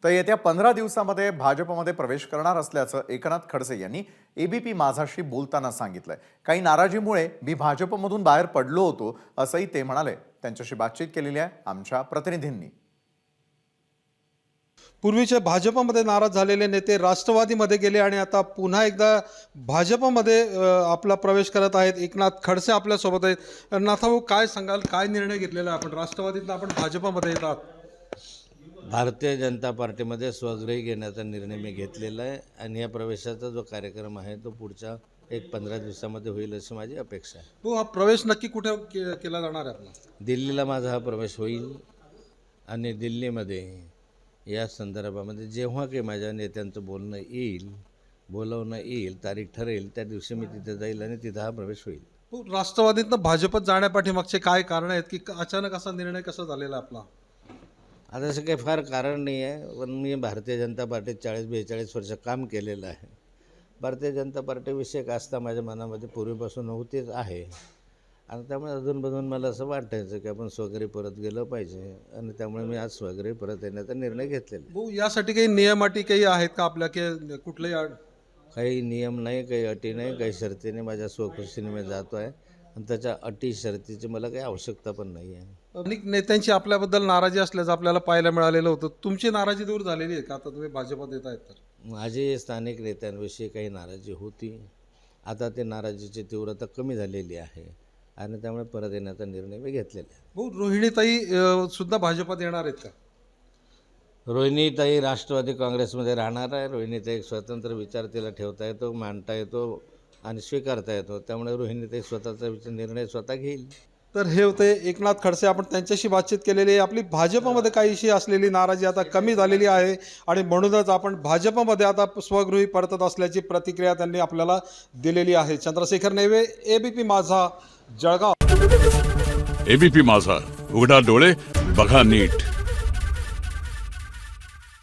तर येत्या 15 दिवसांमध्ये भाजपमध्ये प्रवेश करणार असल्याचं एकनाथ खडसे यांनी एबीपी माझाशी बोलताना सांगितलंय। काही नाराजीमुळे मी भाजपमधून बाहेर पडलो होतो असंही ते म्हणाले। त्यांच्याशी बातचीत केलेली आहे आमच्या प्रतिनिधींनी। पूर्वीचे भाजपमध्ये नाराज झालेले नेते राष्ट्रवादीमध्ये गेले आणि आता पुन्हा एकदा भाजपमध्ये आपला प्रवेश करत आहेत। एकनाथ खडसे आपल्या सोबत आहेत। नाथाभाऊ, काय सांगाल, काय निर्णय घेतलेला आहे आपण? राष्ट्रवादीतून आपण भाजपमध्ये येतात। भारतीय जनता पार्टीमध्ये स्वगृही घेण्याचा निर्णय मी घेतलेला आहे आणि या प्रवेशाचा जो कार्यक्रम आहे तो पुढच्या 15 दिवसामध्ये होईल अशी माझी अपेक्षा आहे। हो, हा प्रवेश नक्की कुठे केला जाणार आहे आपला? दिल्लीला माझा हा प्रवेश होईल आणि दिल्लीमध्ये या संदर्भामध्ये जेव्हा काही माझ्या नेत्यांचं बोलवणं येईल, तारीख ठरेल, त्या दिवशी मी तिथे जाईल आणि तिथं हा प्रवेश होईल। हो, राष्ट्रवादीतनं भाजपत जाण्यापाठीमागचे काय कारण आहेत की अचानक असा निर्णय कसा झालेला आपला? आता असं काही फार कारण नाही आहे, पण मी भारतीय जनता पार्टीत 40-42 वर्ष काम केलेलं आहे। भारतीय जनता पार्टीविषयक आस्था माझ्या मनामध्ये पूर्वीपासून होतीच आहे आणि त्यामुळे अधूनमधून मला असं वाटायचं की आपण स्वघरी परत गेलं पाहिजे आणि त्यामुळे मी आज स्वघरी परत येण्याचा निर्णय घेतलेला। हो, यासाठी काही नियम अटी काही आहेत का आपल्या, की कुठलेही काही नियम नाही, काही अटी नाही, काही शर्ती नाही। माझ्या स्वखुशीने मी जातो आहे आणि त्याच्या अटी शर्तीची मला काही आवश्यकता पण नाही आहे। अनेक नेत्यांची आपल्याबद्दल नाराजी असल्याचं आपल्याला पाहायला मिळालेलं होतं। तुमची नाराजी दूर झालेली आहे का आता तुम्ही भाजपात येत आहेत तर? माझी स्थानिक नेत्यांविषयी काही नाराजी होती, आता ते नाराजीची तीव्रता कमी झालेली आहे आणि त्यामुळे परत येण्याचा निर्णय मी घेतलेला आहे। हो, रोहिणीताई सुद्धा भाजपात येणार आहेत का? रोहिणीताई राष्ट्रवादी काँग्रेसमध्ये राहणार आहे। रोहिणीताई एक स्वतंत्र विचार तिला ठेवता येतो, मांडता येतो आणि स्वीकारता येतो, त्यामुळे रोहिणीताई स्वतःचा निर्णय स्वतः घेईल। तर हे होते एकनाथ खडसे। आपण त्यांच्याशी बातचीत केलेली आहे। आपली भाजपमध्ये काहीशी असलेली नाराजी आता कमी झालेली आहे आणि म्हणूनच आपण भाजपमध्ये आता स्वगृही परतत असल्याची प्रतिक्रिया त्यांनी आपल्याला दिलेली आहे। चंद्रशेखर नेवे, एबीपी माझा, जळगाव। एबीपी माझा, उघडा डोळे बघा नीट।